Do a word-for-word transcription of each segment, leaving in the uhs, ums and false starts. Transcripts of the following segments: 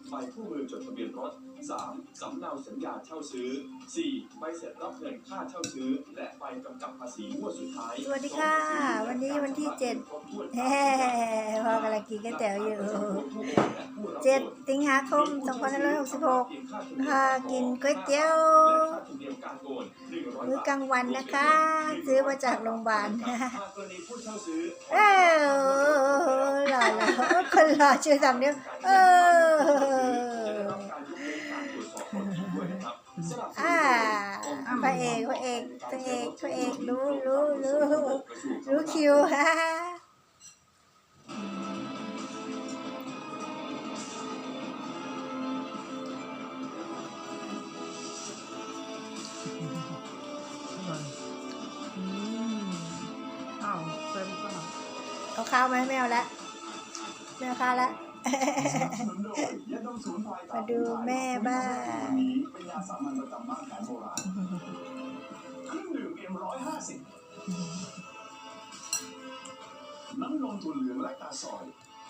ใบคู่มือจดทะเบียนรถ สาม สำเนาสัญญาเช่าซื้อ สี่ ใบเสร็จรับเงินค่าเช่าซื้อและใบกำกับภาษีงวดสุดท้ายสวัสดีค่ะวันนี้วันที่เจ็ดเฮ้พ่อกำลังกินก๋วยเตี๋ยวอยู่เจ็ดสิงหาคมสองพันห้าร้อยหกสิบหกค่ะกินก๋วยเตี๋ยวมื้อกลางวันนะคะซื้อมาจากโรงพยาบาลเออหล่อหล่อคนหล่อชื่อสามนิ้วเอออ่าพระเอกพระเอกพระเอกพระเอกรู้รู้รู้รู้คิวฮ่าอ้าวเต็มป่ะเอาข้าวไหมไม่เอาละไม่เอาข้าวละมาดูแม่บ้านเป็นยาสามัญประจำบ้านแผนโบราณเครื่องดื่มเอ็มร้อยห้าสิบน้ำนมถั่วเหลืองและตาซอย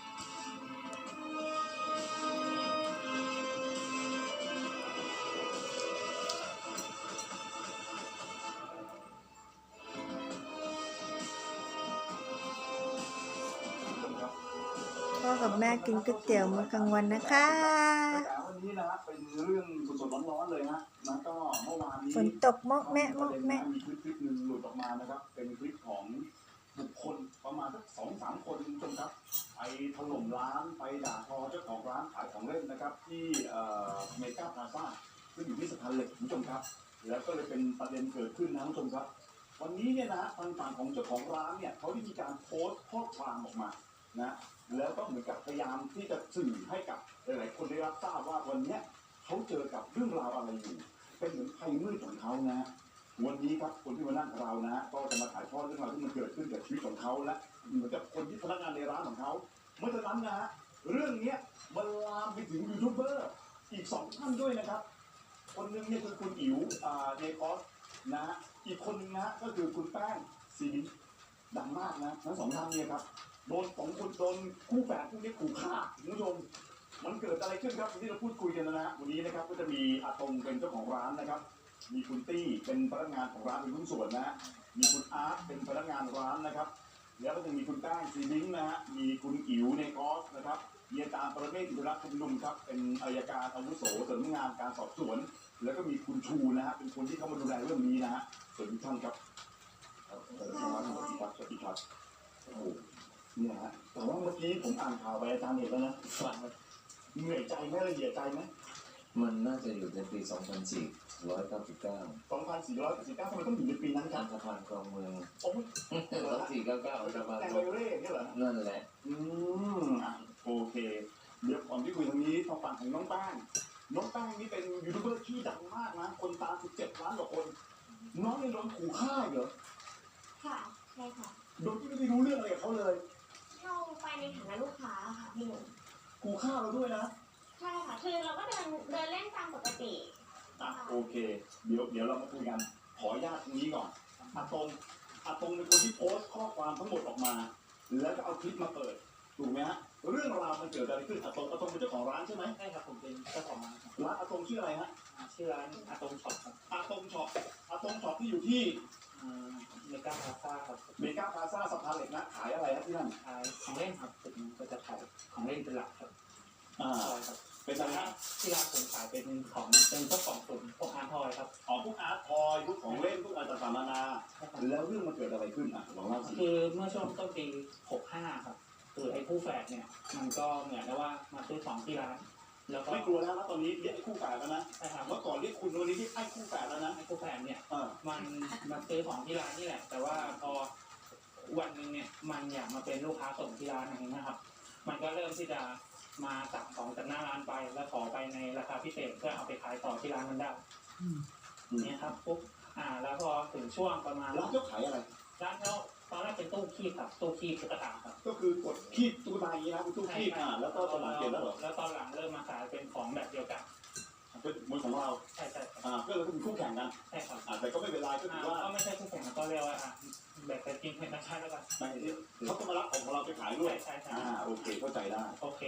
พ่อกับแม่กินก๋วยเตี๋ยวมื้อกลางวันนะคะวันนี้นะเป็นเรื่องสดๆร้อนๆเลยฮะแล้วก็เมื่อวานนี้ฝนตกมอกแม่มอกแม่มีคลิปคลิปหนึ่งหลุดออกมานะครับเป็นคลิปของบุคคลประมาณสักสองสามคนคุณผู้ชมครับไปถล่มร้านไปด่าทอเจ้าของร้านขายของเล่นนะครับที่เมกาพลาซ่าซึ่งอยู่ที่สะพานเหล็กคุณผู้ชมครับแล้วก็เลยเป็นประเด็นเกิดขึ้นนะคุณผู้ชมครับวันนี้เนี่ยนะทางฝั่งของเจ้าของร้านเนี่ยเขาได้มีการโพสต์ข้อความออกมานะแล้วก็เหมือนกับพยายามที่จะสื่อให้กับหลายๆคนได้รับทราบว่าวันนี้เขาเจอกับเรื่องราวอะไรอยู่เป็นเหมือนภัยมืดของเขานะวันนี้ครับคนที่มานั่งเรานะก็จะมาถ่ายทอดเรื่องราวที่มันเกิดขึ้นกับชีวิตของเขาและเหมือนกับคนที่พนักงานในร้านของเขาเมื่อฉะนั้นนะฮะเรื่องนี้มันลามไปถึงยูทูบเบอร์อีกสองท่านด้วยนะครับคนหนึ่งเนี่ยคือคุณอิ๋วเนคอสนะอีกคนหนึ่งนะก็คือคุณแป้งซีนิดังมากนะทั้งสองท่านเนี่ยครับโดนสองคนโดนคู่แฝดคู่นี้ขู่ฆ่าคุณผู้ชมมันเกิดอะไรขึ้นครับที่เราพูดคุยกันนะฮะวันนี้นะครับก็จะมีอาตงเป็นเจ้าของร้านนะครับมีคุณตี้เป็นพนักงานของร้านเป็นหุ้นส่วนนะฮะมีคุณอาร์ตเป็นพนักงานร้านนะครับแล้วก็จะมีคุณแป้งซีบิงนะฮะมีคุณอิ๋วในกอสนะครับมีอาจารย์ประเมศอินทรชุมนุมครับเป็นอัยการอาวุโสสำนักงานการสอบสวนแล้วก็มีคุณชูนะฮะเป็นคนที่เข้ามาดูแลเรื่องนี้นะฮะสวัสดีท่านครับสวัสดีครับสวัสดีครับสวัสดีครับโอ้เนี่ยฮะแต่ว่าเมื่อกี้ผมอ่านข่าวไปอาจารย์เห็นแล้วนะเหนื่อยใจไหมละเอียดใจไหมมันน่าจะอยู่ในปี สองพันสี่ร้อยเก้าสิบเก้าสองพันสี่ร้อยเก้าสิบเก้าทำไมต้องอยู่ในปีนั้นครับสะพานคลองเมืองโอ้ยสองพันสี่ร้อยเก้าสิบเก้าสะพานแต่คไวลองเร่เนี่ยเหรอนั่นแหละอืมอ่ะโอเคเดี๋ยวก่อนที่คุยทางนี้ทางฝั่งของน้องแป้งน้องแป้งนี่เป็นยูทูบเบอร์ที่ดังมากนะคนตามสิบเจ็ดล้านกว่าคนน้องนี่โดนขู่ฆ่าเหรอค่ะใช่ค่ะโดยที่ไม่ได้รู้เรื่องอะไรกับเขาเลยเราไปในฐานะลูกค้าค่ะพี่หนุ่มขู่ฆ่าเราด้วยนะใช่ค่ะคือเราก็เดินเดินเล่นตามปกติอ่ะโอเคเดี๋ยวเดี๋ยวเรามาคุยกันขออนุญาตตรงนี้ก่อนอาตงอาตงเป็นคนที่โพสต์ข้อความทั้งหมดออกมาแล้วก็เอาคลิปมาเปิดถูกไหมฮะเรื่องราวมันเกิดอะไรขึ้นอาตงอาตงเป็นเจ้าของร้านใช่ไหมใช่ครับผมเป็นเจ้าของร้านครับร้านอาตงชื่ออะไรฮะชื่อร้านอาตงช็อปครับอาตงช็อปอาตงช็อปที่อยู่ที่เมกาพลาซ่าครับเมกาพลาซ่าสะพานเหล็กนะขายอะไรครับที่นั่นขายของเล่นครับผมก็จะขายของเล่นเป็นหลักครับอ่าครับเป็นอะไรฮะที่ร้านผมขายเป็นของเป็นพวกของตุ่มพวกอาร์ทอยครับอ๋อพวกอาร์ตทอยพวกของเล่นพวกอะไรต่างๆนานาแล้วเรื่องมันเกิดอะไรขึ้นอ่ะลองเล่าสิคือเมื่อช่วงต้นปีหกห้าครับคือไอ้คู่แฝดเนี่ยมันก็เหมือนกับว่ามาซื้อของที่ร้านแล้วก็ไม่กลัวแล้วนะตอนนี้เรียกไอ้คู่แฝดแล้วนะใช่ครับเมื่อก่อนเรียกคุณวันนี้เรียกไอ้คู่แฝดแล้วนะไอ้คู่แฝดเนี่ยอ่ามันมาซื้อของที่ร้านนี่แหละแต่ว่าพอวันหนึ่งเนี่ยมันอยากมาเป็นลูกค้าส่งที่ร้านอย่างนี้นะครับมันก็เริ่มที่จะมาสั่งของจากหน้าร้านไปแล้วขอไปในราคาพิเศษเพื่อเอาไปขายต่อที่ร้านมันได้เนี่ยครับปุ๊บอ่าแล้วพอถึงช่วงประมาณร้านเขาขายอะไรร้านเขาตอนแรกเป็นตู้คีบครับตู้คีบตุ๊กตาครับก็คือกดคีบตุ๊กตาอย่างนี้นะเป็นตู้คีบอ่าแล้วก็ตอนหลังเปลี่ยนแล้วเหรอแล้วตอนหลังเริ่มมาขายเป็นของแบบเดียวกันเป็นมวยของเราใช่ใช่อ่าก็เลยเป็นคู่แข่งกันใช่ครับอ่าแต่ก็ไม่เป็นไรก็ถือว่าก็ไม่ใช่คู่แข่งก็เรียกว่าอ่าแบบเป็นกินเป็นนักชาติแล้วกันไม่ที่เขาก็มารับของของเราไปขายด้วยใช่ใช่อ่าโอเคเข้าใจได้โอเค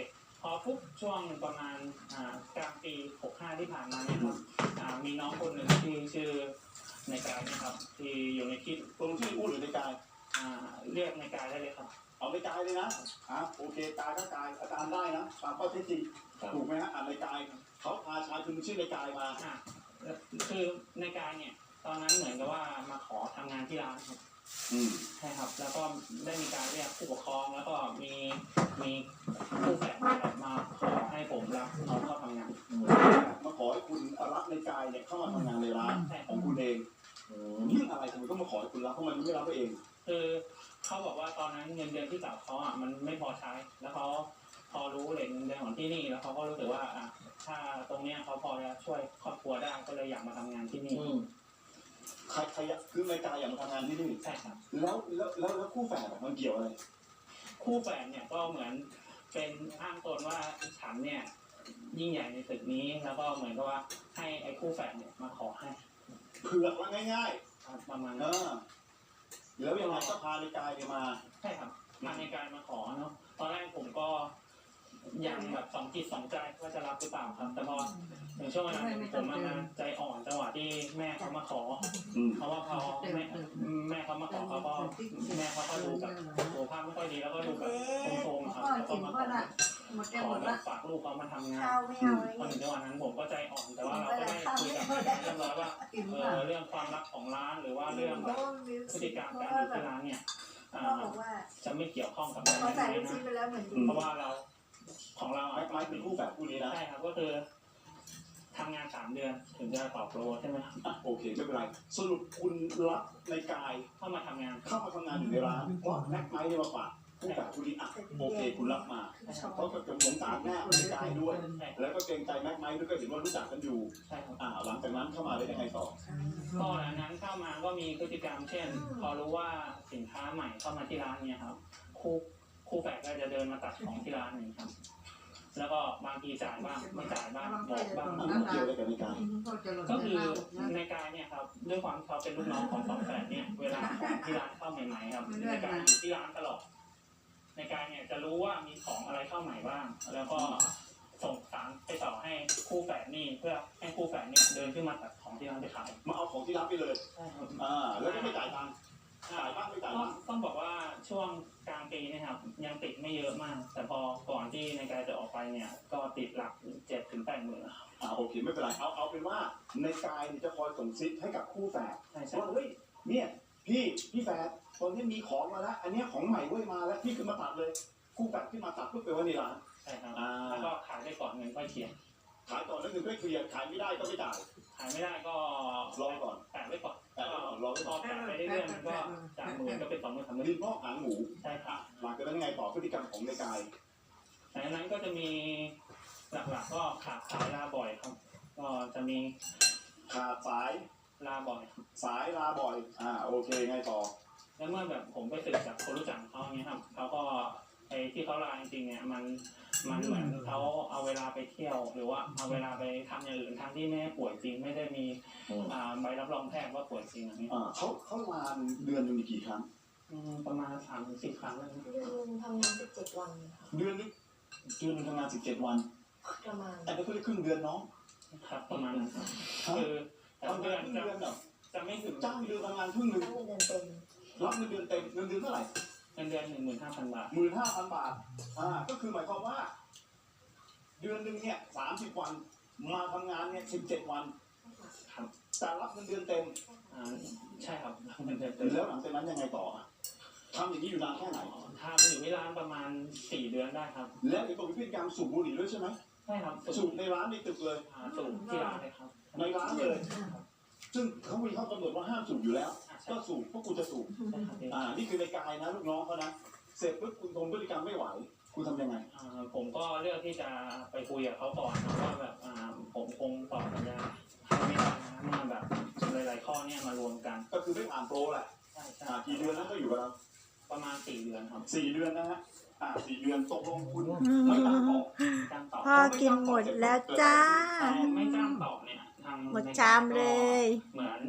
พอปุ๊บช่วงประมาณอ่ากลางปีหกห้าที่ผ่านมาเนี่ยครับอ่ามีน้องคนหนึ่งที่ชื่อในกายนะครับที่อยู่ในคลิปตรงที่อู้หรือในกายอ่าเรียกในกายได้เลยครับเอาในกายเลยนะอ่ะโอเคกายก็กายอาจารย์ได้นะตามข้อเท็จจริงถูกไหมฮะอ่านในกายเขาพาชายคนหนึงชื่อในกายมาอ่าคือในกายเนี่ยตอนนั้นเหมือนกับว่ามาขอทำงานที่ร้านครับอืมใช่ครับแล้วก็ได้มีการเรียกผู้ปกครองแล้วก็มีมีผู้แฝดนะครับมาขอให้ผมรับเขาเข้าทำงานมาขอให้คุณรับในกายเนี่ยเข้ามาทำงานในร้านใช่ของคุณเองเรื่องอะไรทำไมต้องมาขอให้คุณรับเพราะมันไม่รับตัวเองคือเขาบอกว่าตอนนั้นเงินเดือนที่เก่าเขาอ่ะมันไม่พอใช้ แล้วเขาพอรู้เรทเงินเดือนของที่นี่แล้วเขาก็รู้สึกว่าอ่ะถ้าตรงเนี้ยเขาพอจะช่วยครอบครัวได้ก็เลยอยากมาทำงานที่นี่ใครใครอยากคือในกายอยากมาทำงานที่นี่ใช่ครับแล้วแล้วแล้วแล้วคู่แฝดอะมันเกี่ยวอะไรคู่แฝดเนี่ยก็เหมือนเป็นอ้างตนว่าฉันเนี่ยยิ่งใหญ่ในตึกนี้แล้วก็เหมือนกับว่าให้ไอ้คู่แฝดเนี่ยมาขอให้เผือกว่าง่ายครับประมาณๆเอนั้นอแล้วยังไงก็พาในกายเนี่ยมาใช่ครับมาในการมาขอเนาะตอนแรกผมก็ยังแบบสองจิตสองใจว่าจะรับหรือเปล่าครับ แต่พอถึงช่วงเวลาหนึ่งผมมาใจอ่อนจังหวะที่แม่เขามาขออืมเพราะว่าพอแม่แม่เขามาขอเขาก็แม่เขาก็ดูแบบสุขภาพไม่ค่อยดีแล้วก็ดูแบบโทรมๆครับแล้วก็มาขอขอแบบฝากลูกเขามาทำงานข้าวไม่เอาเลยพอถึงจังหวะนั้นผมก็ใจอ่อนแต่ว่าเราก็ได้คุยกับแม่เรียบร้อยว่าเออเรื่องความรักของร้านหรือว่าเรื่องแบบพฤติกรรมการอยู่ที่ร้านเนี่ยอ่าพ่อบอกว่าจะไม่เกี่ยวข้องกับแม่พอใส่ลูกนะชิ้นไปแล้วเหมือนดีเพราะว่าเราของเราไม้ไม้เป็นคู่แฝดคู่นี้นะใช่ครับก็คือทำงานสามเดือนถึงจะตอบโปรใช่ไหมครับอ่ะโอเคไม่เป็นไรสรุปคุณรับในกายเข้ามาทำงานเข้ามาทำงานอยู่ในร้านเพราะแม็กไม้เนี่ยมาฝากคู่แฝดคู่นี้อ่ะโอเคคุณรับมาเพราะก็จะสงสารแม่ในกายด้วยใช่แล้วก็เกรงใจแม็กไม้ด้วยก็เห็นว่ารู้จักกันอยู่ใช่ครับอ่าหลังจากนั้นเข้ามาได้ยังไงต่อก็หลังนั้นเข้ามาก็มีพฤติกรรม เช่น พอรู้ว่าสินค้าใหม่เข้ามาที่ร้านเนี่ยครับคู่คู่แฝดก็จะเดินมาตัดของที่ร้านนี่ครับ แล้วก็บางทีจ่ายบ้างไม่จ่ายบ้างบอกบ้างอ่ะมันเกี่ยวอะไรกับในกายก็คือในการเนี่ยครับด้วยความที่เขาเป็นลูกน้องของสองแฝดเนี่ยเวลาของที่ร้านเข้าใหม่ๆครับในการอยู่ที่ร้านตลอดในการเนี่ยจะรู้ว่ามีของอะไรเข้าใหม่บ้าง แล้วก็ส่งสารไปต่อให้คู่แฝดนี่เพื่อให้คู่แฝดเนี่ยเดินขึ้นมาตัดของที่ร้านไปขายมาเอาของที่รับไปเลยใช่ครับอ่าแล้วก็ไม่จ่ายตังค์จ่ายบ้างไม่จ่ายก็บ้างต้องบอกว่าช่วงกลางปีเนะครับยังติดไม่เยอะมาก แต่พอก่อนที่ในการจะออกไปเนี่ยก็ติดหลักเจ็ดถึงแปดหมื่นครับอ่าโอเคไม่เป็นไรเอาเอาเป็นว่าในกายเนี่ยจะคอยส่งซิกให้กับคู่แฝดใช่ใช่ว่าเฮ้ยเนี่ยพี่พี่แฝดตอนนี้มีของมาแล้วอันเนี้ยของใหม่เว้ยมาแล้วพี่ขึ้นมาตัดเลยคู่แฝดขึ้นมาตัดเพื่อไปไว้ในร้านใช่ครับอ่าแล้วก็ขายได้ก่อนเงินค่อยเคลียร์ขายก่อนแล้วเงินก็เคลียร์ขายไม่ได้ก็ไม่จ่ายขายไม่ได้ก็รอก่อนแปะไว้ก่อนแต่ก็รอไว้พก่ออนแปะไปเรื่อยๆมันก็จากหมื่นก็เป็นสองหมื่นสามหมื่นดินพอกหางหมูใช่ครับหลังจากนั้นยังไงต่อพฤติกรรมของในกายหลังจากนั้นก็จะมีหลักๆก็ขาดสายลาบ่อยครับ ก็จะมีขาดสายลาบ่อยครับสายลาบ่อยอ่าโอเคไงต่อแล้วเมื่อแบบผมไปสืบจากคนรู้จักเขาอย่างเงี้ยครับเขาก็ไอ้ที่เขาลาจริงๆเนี่ยมันมันเหมือนเขาเอาเวลาไปเที่ยว หรือว่าเอาเวลาไปทำอย่างอื่นทั้งที่ไม่ได้ป่วยจริง ไม่ได้มีอ่าใบรับรองแพทย์ว่าป่วยจริงอย่างนี้อ่าเขาเขาลาเดือนหนึงมีกี่ครั้งอืมประมาณสามถึงสิบครั้งแล้วนะเดือนหนึงทำงานสิบเจ็ดวันค่ะเดือนนึงเดือนหนึงทำงานสิบเจ็ดวันประมาณแต่ก็คือครึ่งเดือนน้องครับประมาณนั้นครับฮะคือแต่ทำเดืงาอน นครึ่งจะเดือนเหรอจะไม่ถึงจ้างเดือนทำงานครึ่งหนึงตั้งเงินเดือนเต็มรับเงินเดือนเต็มเงินเดือนเท่าไหร่เงินเดือนหนึ่งหมื่นห้าพันบาทหมื่นห้าพันบาทอ่าก็คือหมายความว่า เดือนหนึ่งเนี่ยสามสิบวัน มาทำงานเนี่ยสิบเจ็ดวันครับแต่รับเงินเดือนเต็มอ่าใช่ครับเงินเดือนเต็มแล้วหลังจากนั้นยังไงต่ออ่ะทำอย่างนี้อยู่นานแค่ไหนทำอยู่ที่ร้านประมาณสี่เดือนได้ครับแล้วเห็นบอกมีพฤติกรรมสูบบุหรี่ด้วยใช่ไหมใช่ครับสูสูบบ ในร้านในตึกเลยอ่าสูบที่ร้านเลยครับในร้านเลย ซึ่งเขามีข้อกำหนดว่าห้ามสูบอยู่แล้วอ่าใช่ก็สูบพวกคุณจะสูบใช่ครับพี่อ่า นี่คือในกายนะลูกน้องเขานะ เสร็จปุ๊บคุณทนพฤติกรรมไม่ไหว คุณทำยังไงอ่าผมก็เลือกที่จะไปคุยกับเขาก่อนนะว่าแบบอ่าผมคงตอบสัญญาให้ไม่ได้นะเมื่อแบบหลายๆข้อเนี่ยมารวมกันก็คือไม่ผ่านโปรแหละใช่ใช่อ่า กี่เดือนแล้วก็อยู่กับเราประมาณสี่เดือนครับสี่เดือนนะฮะ อ่าสี่เดือนตกลงคุณอืไม่ตามต่อมจ้างต่อพ่อกินหมดแล้วจ้าพอไม่จ้างต่อเนี่ยทางหมดชามเลยเหมือน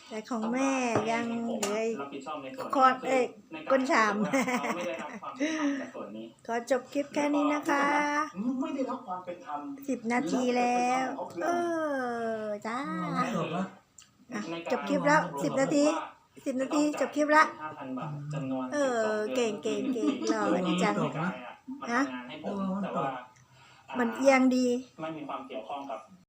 แต่ของแม่ยังเหลืออีกรับผิดชอบในส่วนคอร์ดเอ้ยในรก้นชามเขาไม่ได้รับความเป็นธรรมจากส่วนนี้ขอจบคลิปแค่นี้นะคะไม่ได้รับความเป็นธรรมสิบนาทีแล้ว เออ จ้าจบแล้วอ่ะจบคลิปแล้วสิบนาที สิบนาทีจบคลิปละห้าพันบาทจำนวนเออเก่งเก่งเก่งหล่อดีจังมันทำงานให้ผมแต่ว่ามันเอียงดีไม่มีความเกี่ยวข้องกับ